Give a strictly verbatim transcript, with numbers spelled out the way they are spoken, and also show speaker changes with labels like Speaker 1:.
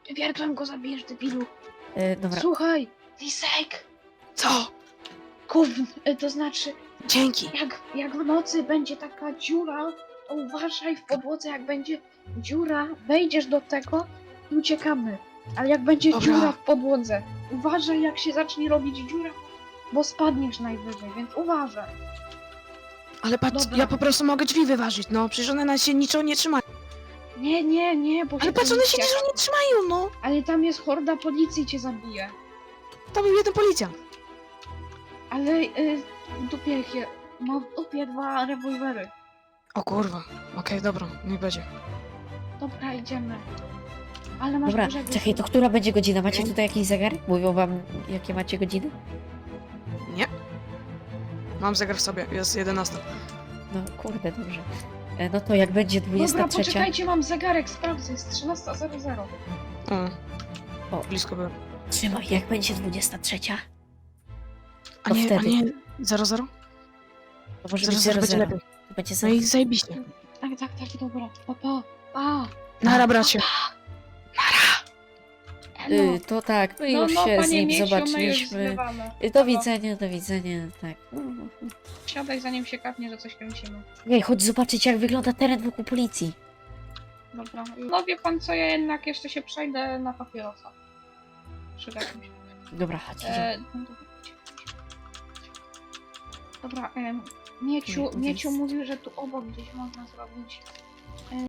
Speaker 1: Wiertłem go zabijesz, debilu.
Speaker 2: E, dobra.
Speaker 1: Słuchaj, Lisek!
Speaker 3: Co?
Speaker 1: Gówn, y, to znaczy,
Speaker 3: Dzięki.
Speaker 1: jak, jak w nocy będzie taka dziura, to uważaj w podłodze, jak będzie dziura, wejdziesz do tego i uciekamy. Ale jak będzie
Speaker 3: Dobra.
Speaker 1: dziura w podłodze, uważaj jak się zacznie robić dziura, bo spadniesz najwyżej, więc uważaj.
Speaker 3: Ale patrz,
Speaker 1: Dobra.
Speaker 3: ja po prostu mogę drzwi wyważyć, no. Przecież one na się niczego nie trzymają.
Speaker 1: Nie, nie, nie, bo
Speaker 3: Ale
Speaker 1: się
Speaker 3: patrz, one się
Speaker 1: policja-
Speaker 3: niczego nie trzymają, no.
Speaker 1: Ale tam jest horda policji, cię zabije.
Speaker 3: To był jeden policjant.
Speaker 1: Ale y, w dupie ich je, ma w dupie dwa rewolwery.
Speaker 3: O kurwa. Okej, dobra, niech będzie.
Speaker 1: Dobra, idziemy. Ale masz
Speaker 2: Dobra,
Speaker 1: dużego
Speaker 2: czekaj, to
Speaker 1: syna.
Speaker 2: która będzie godzina? Macie tutaj jakiś zegarek? Mówią wam, jakie macie godziny?
Speaker 3: Nie. Mam zegar w sobie, jest jedenasta.
Speaker 2: No kurde, dobrze. E, no to jak będzie dwudziesta
Speaker 1: Dobra,
Speaker 2: trzecia.
Speaker 1: poczekajcie, mam zegarek, sprawdzę, jest trzynasta zero zero.
Speaker 3: O.
Speaker 2: O.
Speaker 3: Blisko było.
Speaker 2: Trzymaj, jak będzie dwudziesta trzecia,
Speaker 3: A
Speaker 2: To
Speaker 3: nie, a
Speaker 2: wtedy.
Speaker 3: nie, zero zero?
Speaker 2: to może
Speaker 3: Zero
Speaker 2: być
Speaker 3: zero
Speaker 2: zero
Speaker 3: będzie
Speaker 2: zero.
Speaker 3: lepiej.
Speaker 2: To będzie
Speaker 3: No
Speaker 2: zero.
Speaker 3: i zajebiście.
Speaker 1: Tak, tak, tak, dobra. Pa, pa, pa.
Speaker 3: Nara, bracie.
Speaker 1: Elo.
Speaker 2: Y, to tak, my
Speaker 1: No,
Speaker 2: już
Speaker 1: no,
Speaker 2: się z
Speaker 1: panie
Speaker 2: nim
Speaker 1: Miesiu, my już
Speaker 2: zobaczyliśmy.
Speaker 1: zbywamy.
Speaker 2: Y, Do
Speaker 1: Halo.
Speaker 2: widzenia, do widzenia, tak.
Speaker 1: Siadaj, zanim się kapnie, że coś kręcimy.
Speaker 2: Ej, chodź zobaczyć, jak wygląda teren wokół policji.
Speaker 1: Dobra. No wie pan co, ja jednak jeszcze się przejdę na papierosa. Przyda mi się.
Speaker 2: Dobra, chodź. idziemy.
Speaker 1: E, no dobra. Dobra, em, Mieciu,
Speaker 2: Nie, to
Speaker 1: Mieciu
Speaker 2: jest-
Speaker 1: mówił, że tu obok gdzieś można zrobić